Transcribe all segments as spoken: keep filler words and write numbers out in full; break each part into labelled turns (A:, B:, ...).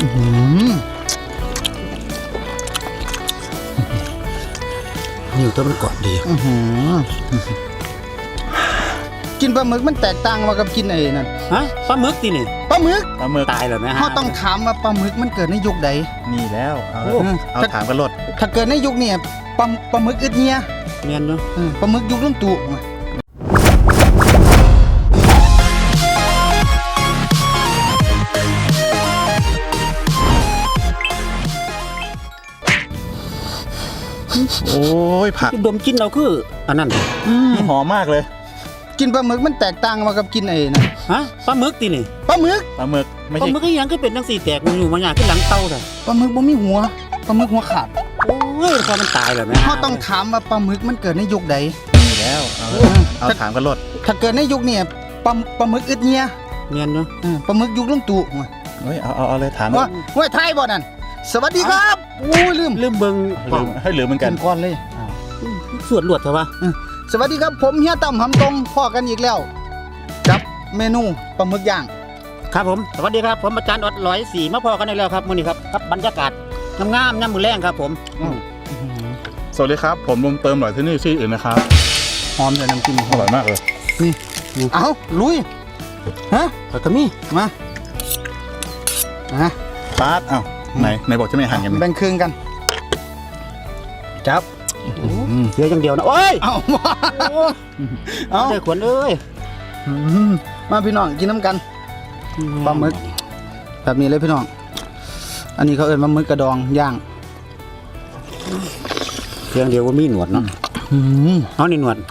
A: นิ้วตัวมันกรอบดี
B: กินปลาหมึกมันแตกต่างมากับกินไอ้นั่น
A: ฮะปลาหมึกตีนี่
B: ปลาหมึก
C: ปลาหมึก
A: ตายเลยไหมฮะ
B: เขาต้องถามว่าปลาหมึกมันเกิดในยุคใด
C: นี่แล้วเอาเอาถามกันรถ
B: ถ้าเกิดในยุคนี้ปลาปลาหมึกอึดเนีย
A: เนียนเนาะ
B: ปลาหมึกยุคลุงตู่
C: โอ้ยผัก
A: ดมกินเราคืออันนั้น
C: หอมมากเลย
B: กินปลาหมึกมันแตกต่างมากับกินไอ้นั่น
A: ฮะปลาหมึกตีนี่
B: ปลาหมึก
C: ปลาหมึกไม่ใช่
A: ปลาหมึกก็ยังก็เป็นทั้งสี่แตกมันอยู่มาอย่างขึ้นหลังเตาเลย
B: ปลาหมึกบ่มีหัวปลาหมึกหัวขาด
A: โอ้ยพอมันตายเลยไหม
B: เขาต้องถามว่าปลาหมึกมันเกิดในยุคใด
C: นี่แล้วเอาเอาถามกันรถ
B: ถ้าเกิดในยุคนี้ปลาปลาหมึกอึดเนีย
A: เนียนเนาะ
B: ปลาหมึกยุคลุงตู่
C: เฮ้ยเอาเอาเอาเลยถาม
B: ว่าว่าไทยบ่นั่นสวัสดีครับโอ้ยลืม
A: ลืมเบิ่ง
C: ลืมให้ลืมเหมือนกัน
B: ก่อนเลย
A: สวดหลวดเถอะวะ
B: สวัสดีครับผมเฮียตั้มหำตรงพ่อกันอีกแล้วกับเมนูปลาหมึกย่าง
A: ครับผมสวัสดีครับผมอาจารย์อดร้อยสี่มาพอกันอีกแล้วครับมื้อนี้ครับครับบรรยากาศงามๆน้ำมือแรงครับผม
C: สวัสดีครับผมลุงเติมหน่อยที่นี่ชื่ออื่นนะครับ
B: หอมแต่น้ำจิ้ม
C: อร่อยมากเลย
B: นี่เอาลุยฮะ
A: แล้วก็มี
B: มาฮะ
C: ปาดเอ้าไหนไหนบอกจะไม่หั่นกัน
B: แบ่งครึ่งกันจับ
A: เดี๋ยวอย่างเดียวนะโอ้ย
B: เอา
A: เอาเด็กขวัญเอ้ย
B: มาพี่น้องกินน้ำกันปลาหมึกแบบนี้เลยพี่น้องอันนี้เขาเอิ้นปลาหมึกกระดองย่าง
A: เพียงเดียวว่ามีหนวดเนาะเอานี่หนวด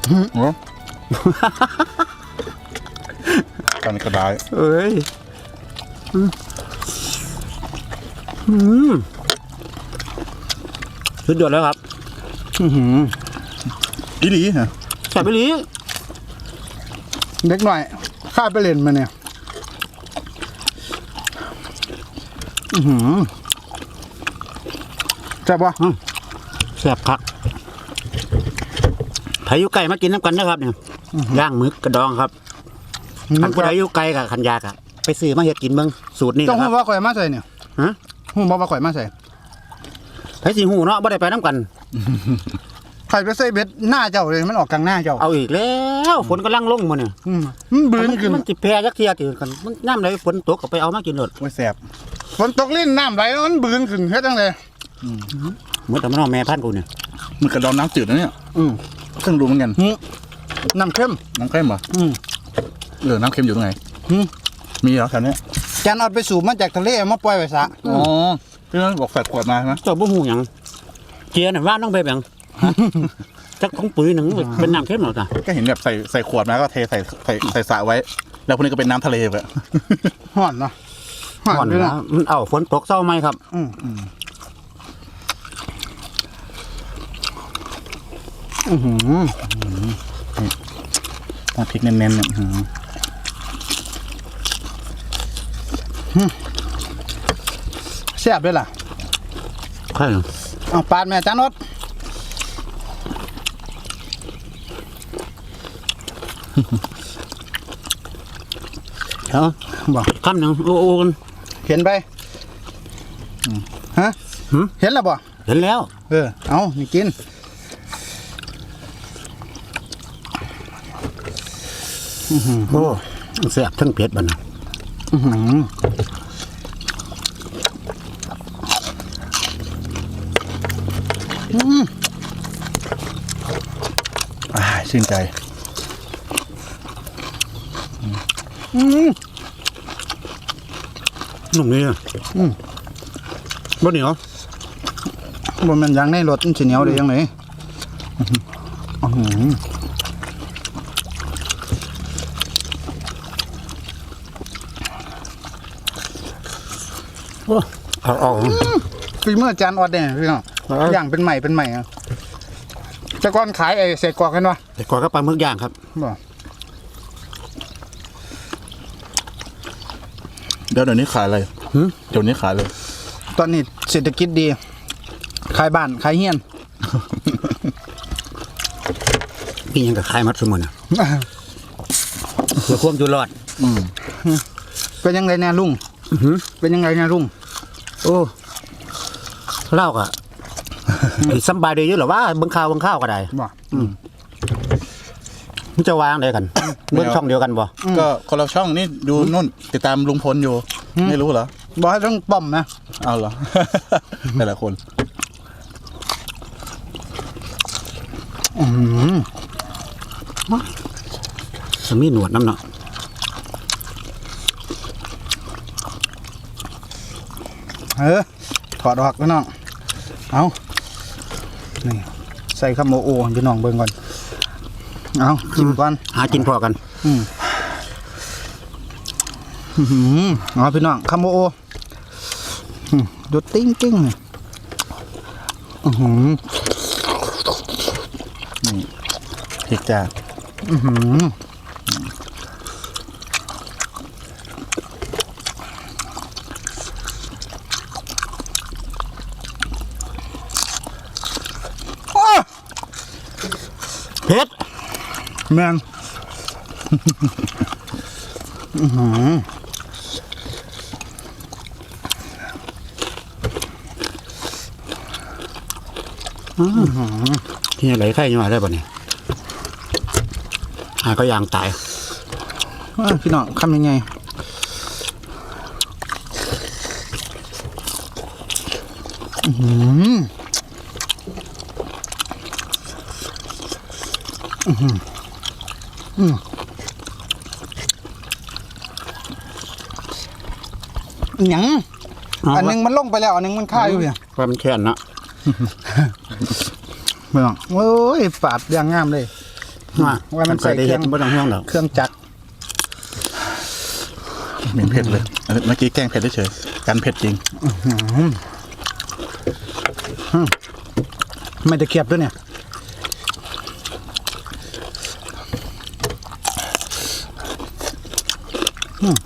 C: กันกระดาษ
A: เอ้ยสุดยอดแล้วครับ
C: อีหลีฮะ
A: แซ่บอีหลี
B: เด็กหน่อยข้าไปเล่นมาเนี่ยแซ่บปะ
A: แซ่บครับไผอยู่ไก่มากินน้ำกันนะครับเนี่ยย่างหมึกกระดองครับขันผู้ใดอยู่ไก่กับขันยากะไปซื้อมาเฮ็ดกินเบิ่งสูตรนี้
B: ต้องหูว่าข่อยมาใส่เนี่ย
A: ฮะ
B: หูบอกว่าข่อยมาใส่
A: ไผสิหูเนาะบ่ได้ไปน้ำกัน
B: ใครไปใส่เบ็ดหน้าเจ้าเลยมันออกกลางหน้าเจ้า
A: เอาอีกแล้วฝนกำลังลงมาเนี่ย
B: มันบืนขึ้น
A: มันจิแพร่ยักเทียติกันมันน้ำไหลฝนตกก็ไปเอามากินหมด
C: ไม่แสบ
B: ฝนตกลิ้นน้ำไหลมันบืนขึ้นเฮ็ดจังเลย
A: เมื่อแต่มันเอาแม่พันธุ์กูเนี่ย
C: มันกระดองน้ำจืดนะเนี่ยเครื่องดูเหมือนกัน
B: น้ำเค็ม
C: น้ำเค็มเหรอเออน้ำเค็มอยู่ตรงไหนมีเหรอแถวนี้
B: จานเอาไปสูบมาจากทะเลมาปล่อยไว้ซะ
C: อ๋อพี่นั่นบอกแฝดขวดมาใช่ไหม
A: เจ้าบุ้งหูหยังเจียน่ะว่าต้องไปแบ่งจักของปุ๋ยหนึ่งเป็นน้ำเค็มหรอจ้ะ
C: ก็เห็นแบบใส่ใส่ขวดมาก็เทใส่ใส่ใส่สระไว้แล้วพวกนี้ก็เป็นน้ำทะเลแบบ
B: ห่อนเนาะ
A: ห่อนนะมันเอาฝนตกเศร้าไหมครับอืม
B: อือหือ
C: พริกเน้นๆเนี่ย
B: แซ่บด้วยล่ะ
A: ใช่
B: เอาปาดแม่จานรถ
A: เนาะบอกคำหนึ่งโอ้โห
B: เห็นไปฮะเห็นแล้วบ่
A: เห็นแล้ว
B: เออเอานี่กิน
A: โอ้แซ่บทั้งเผ็ดบ้าน
C: อ่าชื่นใจ
A: นุ่มนี่อ่ะบ่เหนียว
B: บ่มันยังในรถมันสิเหนียวได้ยังไง
A: เอาเอา
B: ฝีมือจานออดเนี่ยพี่น้องย่างเป็นใหม่เป็นใหม่อ่ะจะก้อนขายไอ้เศษกรอกกันวะ
A: เศษกรอกก็ปลาหมึกย่างครับ
C: เดี๋ยวเดี๋ยวนี้ขายอะไรเดี๋ยวนี้ขายเลย
B: ตอนนี้เศรษฐกิจดีขายบ้านขายเฮียน
A: พี่ยังกับขายมัดสมุนอ่ะเพื่อความอยู่รอด
B: เป็นยังไงเนี่ยลุงเป็นยังไงเนี่ยลุง
A: โอ้เล่าก็สบายดีอยู่หรอว่าเบิ่งข่าวเบิ่งข้าวก็ได้
B: บ่
A: มันจะวางได้กันเบิ่งช่องเดียวกันบ่
C: ก็คนละช่องนี่ดูนู่นติดตามลุงพลอยู่ ไม่รู้เหรอ
B: บ่ให้ต้องป้อมนะ
C: เอาเหรอ แต่ละคน
B: อืม
A: สมีหนวดน้ำเนาะ
B: เออถอดออกพี่น้องเอานี่ใส่ข้าวโมโอพี่น้องเบิ่งก่อนเอาจิ้มก่อน
A: หากินพอกัน
B: อืมอื้อหือเอาพี่น้องข้าวโมโออืมดูติ้งติ้งนี่อือหือ
C: พริกจ้า
B: อื้อหือโอ้
A: เผ็ด
B: แมนอื้อหือ
A: ที่ไหนไข่ยังไงได้ป่ะเนี่ยหาก็ยางตาย
B: อ้าวพี่น้องทำยังไงอื้อหืออื้อหืออืมหยังอันหนึงมันลงไปแล้วอันหนึงมันค่าอยู่เนี่ย
A: ความมันแค้นเนาะ
B: พี่น้องโอ้ยปาดอย่างงามเลย ว่ามันใส่
A: ได้
B: เครื่
A: เห็
B: อง
A: ดไม่ต้องห่วงหรอก
B: เครื่องจักร
C: เหม็นเผ็ดเลยอันนี้เมื่อกี้แกล้งเผ็ดเฉยๆกันเผ็ดจริง
B: ไม่ตะเกียบด้วยเนี่ยอืม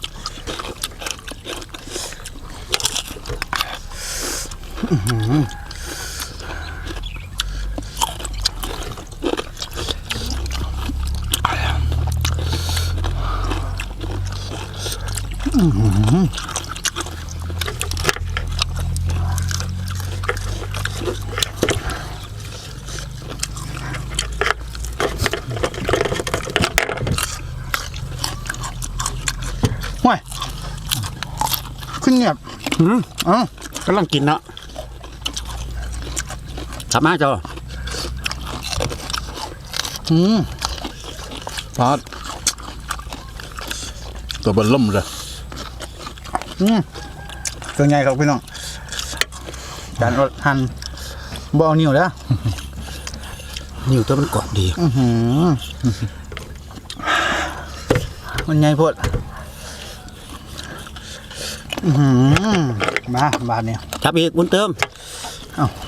B: อื้อหืออื้อหือห่วยขึ้นเงียบ
A: หืม
B: เอ้าก
A: ำลังกินเนาะกลับมาจ้ะ
B: อืม
C: พอดตัวเบนล่มเลย
B: อืมตัวใหญ่ครับพี่น้องจานอดหั่นบ่เอานิ้วแล้ว
A: นิ้วตัวมันกรอบดี
B: อื้อหือมันใหญ่โพดอื้อหือมาบาทเนี่ย
A: จับอีกบุญเติม
B: เอ้า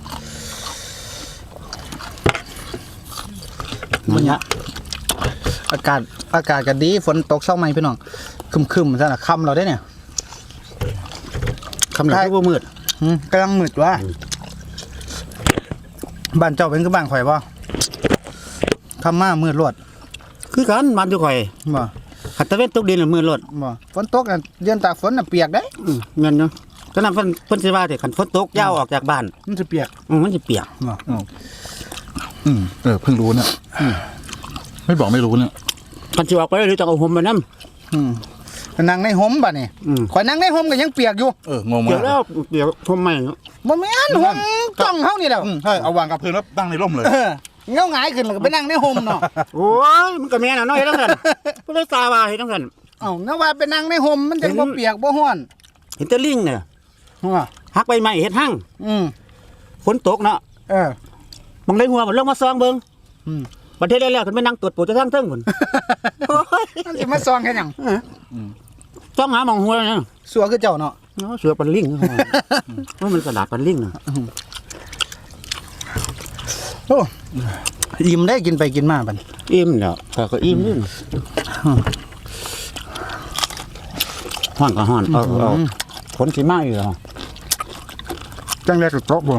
A: มันเนี้ย
B: อากาศอากาศก็ดีฝนตกเช้าไหมพี่น้องครึมๆซะน่ะค่ำเราได้เนี่ย
A: คำหลังที่ว่ามืด
B: อืมกำลังมืดว่ะบ้านเจ้าเป็นคือบ้านข่อยบ่ทำมามืดรวด
A: คือกันมันอยู่ข่อย
B: บ่
A: ขัดตะเวนตกดินหรือมืดรถ
B: บ่ฝนตกอ่ะเดือนตากฝนน่ะเปียกได้
A: อืมเงินเนาะก็นั่นเพิ่นเพิ่นสิว่าแต่ขันฝนตกยาวออกจากบ้าน
B: มันจะเปียก
A: อืมมันจะเปียก
B: บ่
C: อืมเออเพิ่งรู้เนี่ยไม่บอกไม่รู้เนี่ย
A: กันสิออกไปหรือจะเอาห่มไปนำ
B: อืมนั่งในห่มบัดนี่
A: อืม
B: ข่อยนั่งในห่มก็ยังเปียกอยู่
C: เอองงมา
A: เดี๋ยว
C: ก
A: แล้วเดี๋ยวห่มใหม่
B: บ่แม่นห่มจ้องเฮานี่แหละ
C: อืมใช่เอาวางกับพื้นแล้วตั้งในร่มเลย
B: เออเงาหงายขึ้นแล้วก็ไปนั่งในห่มเนาะ
A: โอ้ยมันก็แม่นอ่ะเนาะเฮ็ดจังซั่นบ่ได้ตาว่าเฮ็ดจังซั่น
B: เอ้าเงาว่าไปนั่งในห่มมันจังบ่เปียกบ่ร้อน
A: เห็นแต่ลิงเนี่ย
B: ว่า
A: หักใบไม้เฮ็ดหั่ง
B: อืม
A: ฝนตกเนาะ
B: เออ
A: มองได้หัวมันลงมาซองเบิ่ง
B: อืม
A: ประเทศแล้วๆขึ้นไปนั่งตรวจปูจะทั้งเทิงพุ่นโอ้ย
B: มันสิมาซองแค่หยัง
A: ซองหาหมองหัวเนี่ย
B: สัวคือเจ้าเนาะ
A: เนาะเสือปันลิงว่ามันกระดาษปันลิงน่ะ
B: โอ้อิ่มได้กินไปกินมาบัด
A: อิ่มแล้วข้อยก็อิ่มนี่ฮ้อนก็ฮ้อนเอาเอาฝนสิมาอยู่แล้ว
B: จังแรกก็ตกบ่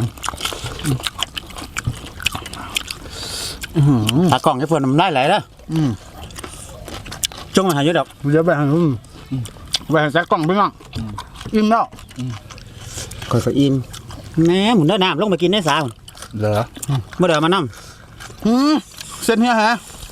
A: ตากล้องให้เพิ่นน้ำลายไหลแล้ว
B: อืม
A: จงมาหาอยู่ดอก
B: เดี๋ยวไปหาอืมไปหาแซกกล้องพี่น้องอิ่มแล้ว
A: ค่อยก็อิ่มแหม่หมุนได้น้ำลงไปกินได้สาว
C: เหรอ
A: บ่ได้เอามานํ
B: อืมเส้นเนี้ยฮะ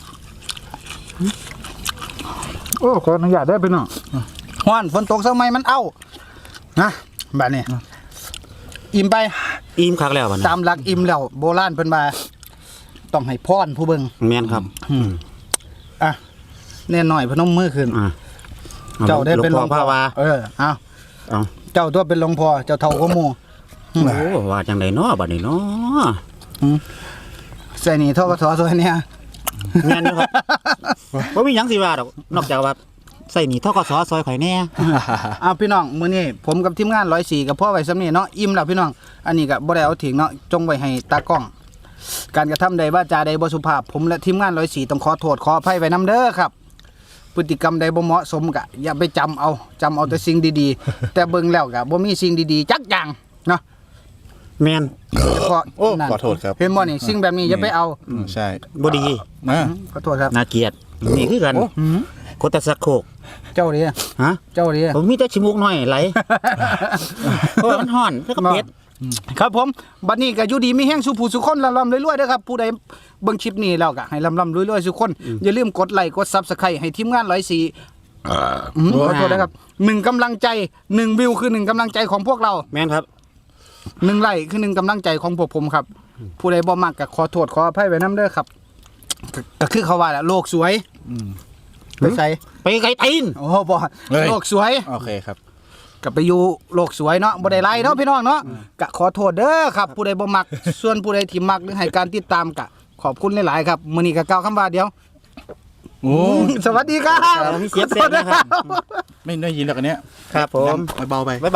B: โอ้ขออนุญาตได้ไปหน่อยฮ้อนฝนตกเช้าไหมมันเอ้านะแบบนี้อิ่มไป
A: อิ่มคักแล้วบัดนี้
B: ตามหลักอิ่มแล้วโบราณเพิ่นมาต้องให้พรผู้เบิ่ง
A: แม่นครับ
B: อ่ะแน่หน่อยพนมมือขึ้น
A: อ่า
B: เจ้าได้เป็นหลวง
A: พ่
B: พ่
A: อ
B: อ
A: ว่า
B: เออเอา
A: เอา
B: เจ้าตัวเป็นหลวงพ่อเจ้าเท่าก็หมู่
A: โอ้ว่าจังได๋เนาะบัดนี้เนาะ
B: ใส่นี่ทกสซอยเนี่ย
A: แม่นอยู่ครับบ่มีหยังสิว่าดอกนอกจากว่าใส่หนีทกสซอยข่อยแน่
B: เอาพี่น้องมื้อนี้ผมกับทีมงานร้อยสี่กับพ่อไว้ซ้ำนี่เนาะอิ่มแล้วพี่น้องอันนี้ก็บ่ได้เอาทิ้งเนาะจงไว้ให้ตากล้อง การกระทำใดว่าจาใดบ่สุภาพผมและทีมงานร้อยสี่ต้องขอโทษขออภัยไว้นํเด้อครับ พฤติกรรมใดบ่เหมาะสมก็อย่าไปจำเอาจำเอาแต่สิ่งดีๆ แต่เบิ่งแล้วก็บ่มีสิ่งดีๆจักอย่างเนาะ
A: แม่น
B: เพราะ
C: โอ้
B: นั่น
C: ขอโทษครับ
B: เห็นบ่นี่สิ่งแบบนี้อย่าไปเอา
C: อืมใช่
A: บ่ดี
C: นะ
B: ขอโทษครับ
A: น่าเกลียดนี่คือกัน
B: อืม
A: กดแต่สักโคก
B: เจ้าดิ
A: ฮะ
B: เจ้าดิ
A: ผมมีแต่ชิมูกน้อยไหลเพราะว่ามันฮ้อนแล้วก็เป็ด
B: ครับผมบัดนี้ก็อยู่ดีมีแห้งสุผู้สุคนลำๆรวยๆเด้อครับผู้ใดเบิ่งคลิปนี้แล้วก็ให้ลำๆรวยๆสุคนอย่าลืมกดไลค์กด Subscribe ให้ทีมงานร้อยสี่อืมขอโทษนะครับหนึ่งกำลังใจหนึ่งวิวคือหนึ่งกำลังใจของพวกเรา
A: แม่นครับ
B: หนึ่งไลค์คือหนึ่งกำลังใจของพวกผมครับ ผู้ใดบ่มักก็ขอโทษขออภัยไว้นํเด้อครับก็ก็คือเขาว่าแหละโลกสวยไปใส่
A: ไปไกลตีน
B: โอ้บ่โลกสวย
C: โอเคครับ
B: ก็ไปอยู่โลกสวยเนาะบ่ได้ไล่เนาะพี่น้องเนาะก็ขอโทษเด้อครับ ผู้ใดบ่มัก ส่วนผู้ใดที่มักหรือให้การติดตามก็ขอบคุณหลายๆครับมื้อนี้ก็กล่าวคำว่าเดียว
C: โอ้
B: สวัสดีครับ
A: มีเสียงเสียงนะครับ
C: ไม่ได้ยินหรอกอันเนี้ย
A: ครับผม
C: เบาๆไป